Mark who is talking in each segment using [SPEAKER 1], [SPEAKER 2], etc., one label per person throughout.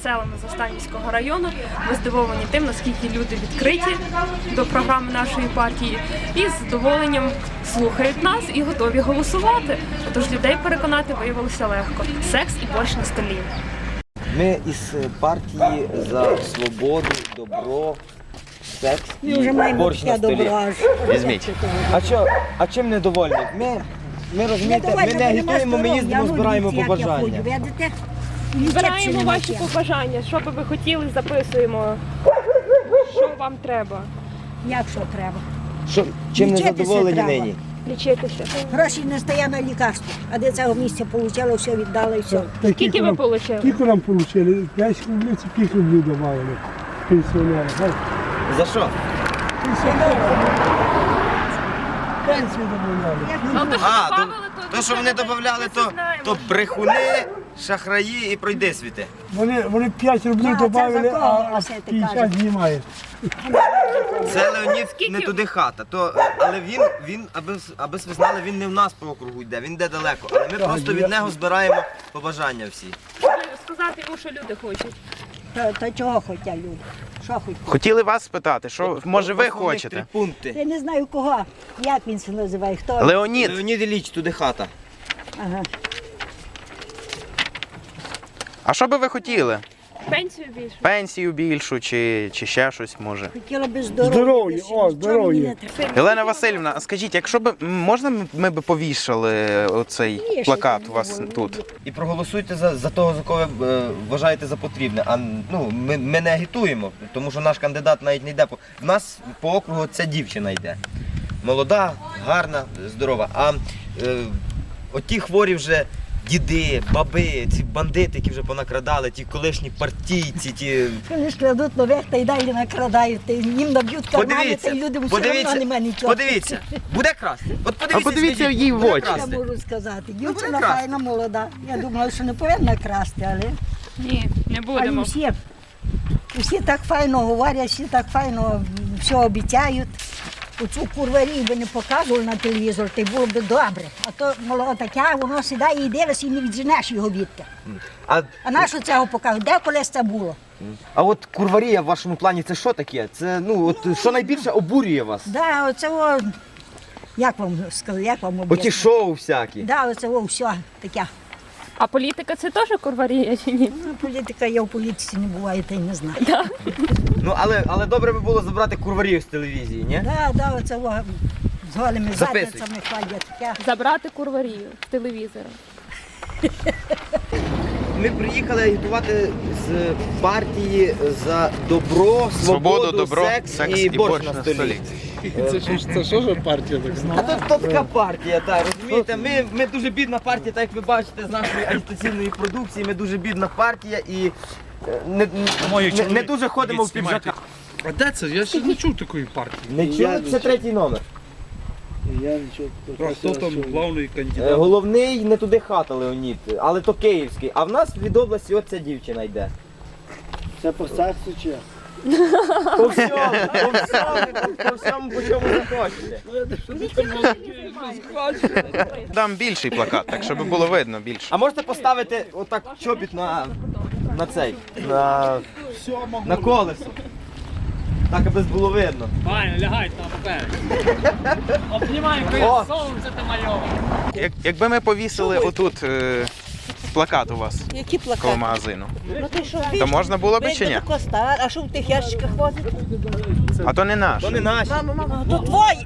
[SPEAKER 1] селами Застанівського району. Ми здивовані тим, наскільки люди відкриті до програми нашої партії і з задоволенням слухають нас і готові голосувати. Тож людей переконати виявилося легко. Секс і борщ на столі.
[SPEAKER 2] Ми із партії за свободу, добро, секс і борщ на столі.
[SPEAKER 3] Візьміть.
[SPEAKER 2] А чим недовольні? Ми розумієте, ми не агітуємо, ми їздимо, збираємо побажання.
[SPEAKER 1] Збираємо ваші побажання. Що би ви хотіли, записуємо. Що вам треба?
[SPEAKER 4] Як що треба?
[SPEAKER 2] Чим не
[SPEAKER 4] Лічитися
[SPEAKER 2] задоволені
[SPEAKER 4] треба.
[SPEAKER 2] нині?
[SPEAKER 1] Лічитися.
[SPEAKER 4] Гроші не стає на лікарство, а де цього місця отримала, все віддала і все.
[SPEAKER 1] Скільки ви отримали?
[SPEAKER 5] Скільки нам отримали? 5 рублів, це скільки рублів давали пенсіонери?
[SPEAKER 2] За що?
[SPEAKER 5] Пенсію добавляли.
[SPEAKER 2] То, що вони додавали, то брехуни, шахраї і пройди світи.
[SPEAKER 5] Вони 5 рублів
[SPEAKER 4] це
[SPEAKER 5] додали,
[SPEAKER 4] за кого
[SPEAKER 5] а
[SPEAKER 4] голосити,
[SPEAKER 5] 50
[SPEAKER 4] кажуть?
[SPEAKER 5] знімає.
[SPEAKER 2] Це Леонід не туди хата, але він, аби ви знали, він не в нас по округу йде, він йде далеко. Але ми просто від нього збираємо побажання всі.
[SPEAKER 1] Сказати йому, що люди хочуть.
[SPEAKER 4] То чого хочуть люди? Що хочуть?
[SPEAKER 3] Хотіли вас спитати, що може ви
[SPEAKER 2] Основних
[SPEAKER 3] хочете?
[SPEAKER 2] 3 пункти.
[SPEAKER 4] Я не знаю кого, як він це називає, хто.
[SPEAKER 3] Леонід,
[SPEAKER 2] Леонід Ілліч, туди хата.
[SPEAKER 4] Ага.
[SPEAKER 3] а що би ви хотіли?
[SPEAKER 1] Пенсію більше.
[SPEAKER 3] Пенсію більшу чи ще щось може?
[SPEAKER 4] Хотіла би здоров'я.
[SPEAKER 5] Здоров'я,
[SPEAKER 4] більше,
[SPEAKER 5] о,
[SPEAKER 4] нічого
[SPEAKER 5] здоров'я.
[SPEAKER 4] мені не треба.
[SPEAKER 3] Єлена Васильівна, а скажіть, якщо б можна ми б повішали оцей
[SPEAKER 4] Вішайте,
[SPEAKER 3] плакат у
[SPEAKER 4] не
[SPEAKER 3] вас
[SPEAKER 4] було.
[SPEAKER 3] тут?
[SPEAKER 2] І проголосуйте за того, за кого ви вважаєте за потрібне. А ми не агітуємо, тому що наш кандидат навіть не йде. В нас по округу ця дівчина йде. Молода, гарна, здорова. А оті хворі вже діди, баби, ці бандити, які вже понакрадали, ті колишні партійці, ті...
[SPEAKER 4] Вони ж крадуть нових та й далі накрадають, та їм наб'ють кармани, та й людям все одно немає нічого.
[SPEAKER 2] подивіться, буде красти. От
[SPEAKER 3] А подивіться
[SPEAKER 2] скажіть,
[SPEAKER 3] їй в
[SPEAKER 2] буде
[SPEAKER 3] очі.
[SPEAKER 4] Я
[SPEAKER 2] красти?
[SPEAKER 4] можу сказати. Дівчина
[SPEAKER 2] буде красти.
[SPEAKER 4] файна, молода. Я думала, що не повинна красти, але
[SPEAKER 1] Ні, не будемо.
[SPEAKER 4] всі так файно говорять, всі так файно все обіцяють. Оцю курварію би не показували на телевізор, то й було б добре. А то молода таке, воно сідає і дивиться, і не відженеш його відти. А на що цього показують? Де колись це було?
[SPEAKER 2] А от курварія в вашому плані це що таке? Це, що найбільше обурює вас?
[SPEAKER 4] Да, оце, як вам сказати, як вам
[SPEAKER 2] Оті
[SPEAKER 4] об'яснити?
[SPEAKER 2] шоу всякі.
[SPEAKER 4] Да, оце все таке.
[SPEAKER 1] А політика це теж курварія чи ні?
[SPEAKER 4] Ну, політика, я в політиці не буваю, та й не знаю.
[SPEAKER 2] Але добре би було забрати курварію з телевізії, ні?
[SPEAKER 4] Да, оце з голими
[SPEAKER 2] Записуй.
[SPEAKER 4] задницями ходять. Таке.
[SPEAKER 1] Забрати курварію з телевізора.
[SPEAKER 2] Ми приїхали агітувати з партії за добро,
[SPEAKER 3] Свободу, добро,
[SPEAKER 2] секс і борщ на столі.
[SPEAKER 5] Це що ж партія так знає?
[SPEAKER 2] А то така партія, так, розумієте, ми дуже бідна партія, так як ви бачите з нашої агітаційної продукції, ми дуже бідна партія і не дуже ходимо в піджаках.
[SPEAKER 5] А де це? Я ще не чув такої партії.
[SPEAKER 2] Не чули? Це 3-й номер.
[SPEAKER 5] Я нічого. Хто там головний кандидат?
[SPEAKER 2] Головний не туди хата Леонід, але то київський. А в нас від області от ця дівчина йде.
[SPEAKER 5] Це по сексу чи?
[SPEAKER 2] По всьому, по чому захочете.
[SPEAKER 3] Дам більший плакат, так щоб було видно більше.
[SPEAKER 2] А можете поставити отак чобіт на цей, на колесо. Так, аби було видно.
[SPEAKER 6] Правильно, лягай там вперед. Обнімай,
[SPEAKER 2] О!
[SPEAKER 6] сонце ти мальове.
[SPEAKER 3] Якби ми повісили отут плакат у вас
[SPEAKER 7] Які
[SPEAKER 3] коло
[SPEAKER 7] плакати?
[SPEAKER 3] магазину,
[SPEAKER 7] Ну ти що?
[SPEAKER 3] то можна було б чи ні?
[SPEAKER 7] Костар, а що в тих ящиках возить?
[SPEAKER 3] А то не наш.
[SPEAKER 2] То не наші.
[SPEAKER 7] Мама, то твої.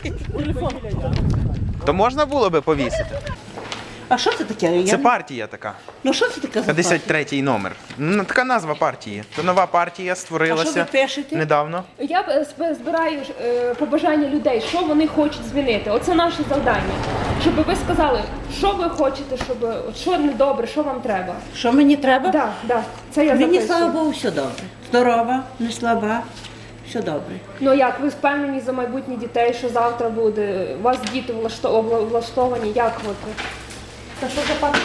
[SPEAKER 3] То можна було би повісити.
[SPEAKER 7] А що це таке?
[SPEAKER 3] Це партія така.
[SPEAKER 7] Ну що це таке за
[SPEAKER 3] 53-й номер. Ну, така назва партії. То нова партія
[SPEAKER 7] А що
[SPEAKER 3] створилася
[SPEAKER 7] ви пишете?
[SPEAKER 3] недавно.
[SPEAKER 1] Я збираю побажання людей, що вони хочуть змінити. Оце наше завдання. Щоб ви сказали, що ви хочете, що недобре, що вам треба.
[SPEAKER 7] Що мені треба?
[SPEAKER 1] Так, це я
[SPEAKER 7] Мені,
[SPEAKER 1] записую.
[SPEAKER 7] слава Богу, все добре. Здорова, не слаба, все добре.
[SPEAKER 1] Ну як, ви впевнені за майбутнє дітей, що завтра буде? У вас діти влаштовані, як от? Та що за партія?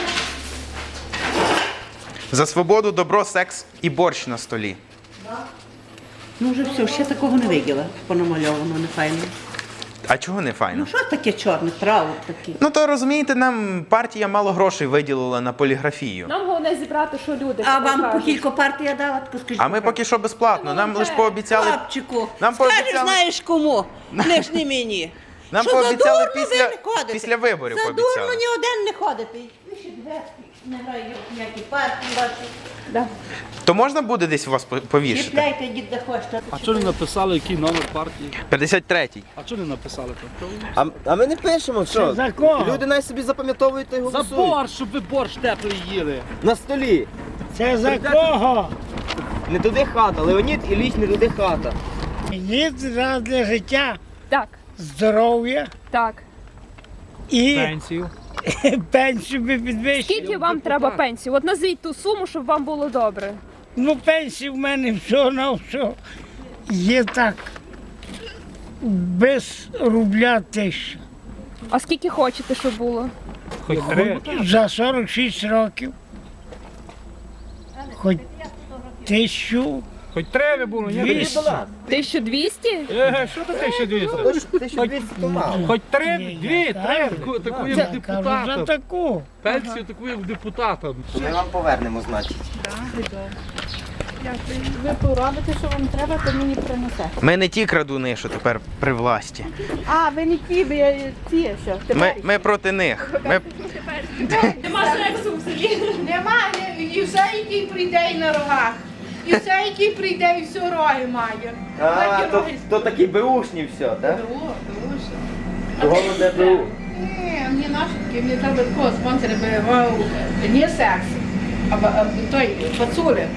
[SPEAKER 3] За свободу, добро, секс і борщ на столі.
[SPEAKER 7] Ну вже все, ще такого не виділа, понамальовано, не файно.
[SPEAKER 3] А чого не файно?
[SPEAKER 7] Ну що таке чорне? Траут такий.
[SPEAKER 3] Ну то розумієте, нам партія мало грошей виділила на поліграфію.
[SPEAKER 1] Нам головне зібрати, що люди
[SPEAKER 7] А вам по
[SPEAKER 1] кажуть.
[SPEAKER 7] кілька партій я дала, так скажіть.
[SPEAKER 3] А ми поки що безплатно. Нам лише пообіцяли.
[SPEAKER 7] Хлопчику,
[SPEAKER 3] Нам
[SPEAKER 7] скажеш,
[SPEAKER 3] пообіцяли-
[SPEAKER 7] знаєш кому, не ж не мені.
[SPEAKER 3] Нам
[SPEAKER 7] Що за
[SPEAKER 3] пообіцяли
[SPEAKER 7] дурно
[SPEAKER 3] після-
[SPEAKER 7] ви не ходите?
[SPEAKER 3] після виборів
[SPEAKER 7] За
[SPEAKER 3] пообіцяли.
[SPEAKER 7] дурно ні один не ходите. Ви ще дверки не грають ніякі партії ваші.
[SPEAKER 1] Да.
[SPEAKER 3] То можна буде десь вас повішати?
[SPEAKER 7] Чіпляйте, йдіть де хочете.
[SPEAKER 6] А чого не написали, який номер партії?
[SPEAKER 3] 53-й.
[SPEAKER 6] А чого не написали там?
[SPEAKER 2] А ми не пишемо, що?
[SPEAKER 5] За кого?
[SPEAKER 2] Люди навіть собі запам'ятовують та й
[SPEAKER 6] За
[SPEAKER 2] голосують.
[SPEAKER 6] борщ, щоб ви борщ теплий їли.
[SPEAKER 2] На столі.
[SPEAKER 5] Це за кого?
[SPEAKER 2] Не туди хата, Леонід Ілліч не туди хата.
[SPEAKER 5] Є раз для життя,
[SPEAKER 1] Так,
[SPEAKER 5] здоров'я
[SPEAKER 1] так.
[SPEAKER 5] і
[SPEAKER 6] Пенсію.
[SPEAKER 5] пенсію би підвищили.
[SPEAKER 1] Скільки вам треба пенсії? От назвіть ту суму, щоб вам було добре.
[SPEAKER 5] Ну, пенсії в мене все на все є так. Без рубля 1000.
[SPEAKER 1] А скільки хочете, щоб було?
[SPEAKER 6] Хоч три.
[SPEAKER 5] За 46 років. Хоч 1000.
[SPEAKER 6] Хоч три було, ні?
[SPEAKER 5] 200.
[SPEAKER 1] 1200?
[SPEAKER 6] Що ти 1200?
[SPEAKER 2] 1200 то мало.
[SPEAKER 6] Хоч три,
[SPEAKER 5] Ні,
[SPEAKER 6] дві,
[SPEAKER 5] я
[SPEAKER 6] три,
[SPEAKER 5] кажу.
[SPEAKER 6] таку
[SPEAKER 5] Я
[SPEAKER 6] як
[SPEAKER 5] кажу за
[SPEAKER 6] депутата.
[SPEAKER 5] таку.
[SPEAKER 6] Пенсію таку як депутата.
[SPEAKER 2] Ми вам повернемо, значить.
[SPEAKER 7] Ви поробите, що вам треба, то мені принесе.
[SPEAKER 3] Ми не ті крадуни, що тепер при власті.
[SPEAKER 7] А, ви не ті, ви ті, що?
[SPEAKER 3] Ми проти них. Ми...
[SPEAKER 1] Нема сексу в селі.
[SPEAKER 8] Немає, і все, який прийде і на рогах. І все, який прийде, і все роги має.
[SPEAKER 2] А,
[SPEAKER 8] Такі
[SPEAKER 2] то,
[SPEAKER 8] роги.
[SPEAKER 2] то такі беушні все, так?
[SPEAKER 8] Тому що.
[SPEAKER 2] Того не БУ.
[SPEAKER 8] Ні, мені наші такі, мені треба такого спонсора би не секс, а той пацули.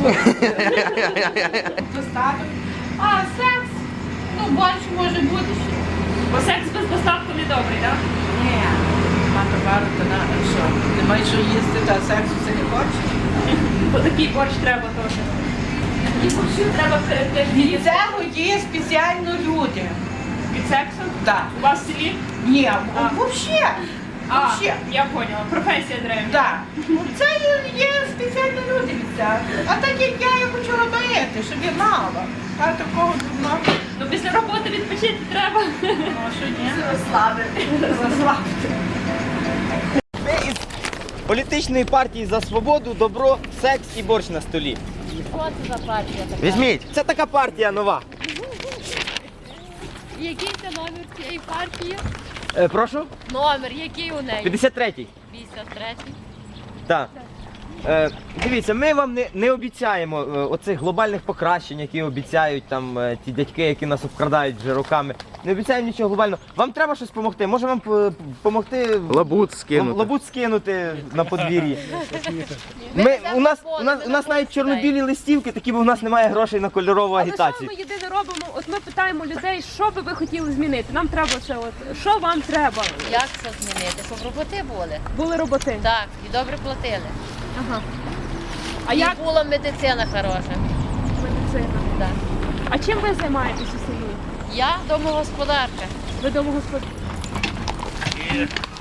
[SPEAKER 8] Достаток. А секс, ну більше може бути ще.
[SPEAKER 1] Бо секс без достатку не добрий, так?
[SPEAKER 8] Ні, на товару, то на що? Немає що їсти, та сексу це не хоче.
[SPEAKER 1] Бо такий борщ треба теж. І борщу треба теж
[SPEAKER 8] Від
[SPEAKER 1] їсти.
[SPEAKER 8] цього є спеціально люди.
[SPEAKER 1] Від сексу?
[SPEAKER 8] Так.
[SPEAKER 1] У вас в селі?
[SPEAKER 8] Ні, взагалі.
[SPEAKER 1] А,
[SPEAKER 8] Вообще.
[SPEAKER 1] я поняла. Професія древня.
[SPEAKER 8] Так. Це є спеціально люди від цього. А так як я хочу робити, щоб я мала. А такого дурного.
[SPEAKER 1] Ну після роботи відпочити треба.
[SPEAKER 8] Ну, а що ні? Розслабити.
[SPEAKER 2] Ми із політичної партії за свободу, добро, секс і борщ на столі.
[SPEAKER 3] Візьміть.
[SPEAKER 2] Це така партія нова.
[SPEAKER 9] Який це номер цієї партії?
[SPEAKER 2] Прошу?
[SPEAKER 9] Номер, який у неї?
[SPEAKER 2] 53-й.
[SPEAKER 9] 53-й.
[SPEAKER 2] Так. Дивіться, ми вам не обіцяємо оцих глобальних покращень, які обіцяють там ті дядьки, які нас обкрадають вже роками. Не обіцяємо нічого глобального. Вам треба щось допомогти? Може вам допомогти
[SPEAKER 3] Лабут скинути.
[SPEAKER 2] лабут скинути на подвір'ї? У нас навіть чорно-білі листівки, такі, бо у нас немає грошей на кольорову
[SPEAKER 1] Але що
[SPEAKER 2] агітацію.
[SPEAKER 1] ми єдине робимо? От ми питаємо людей, що би ви хотіли змінити. Нам треба це от. Що вам треба?
[SPEAKER 9] Як це змінити? Щоб роботи були.
[SPEAKER 1] Були роботи.
[SPEAKER 9] Так, і добре платили.
[SPEAKER 1] Ага. А
[SPEAKER 9] І
[SPEAKER 1] як
[SPEAKER 9] була медицина хороша.
[SPEAKER 1] медицина?
[SPEAKER 9] Так.
[SPEAKER 1] А чим ви займаєтесь у селі?
[SPEAKER 9] Я домогосподарка.
[SPEAKER 1] Ви домогосподар.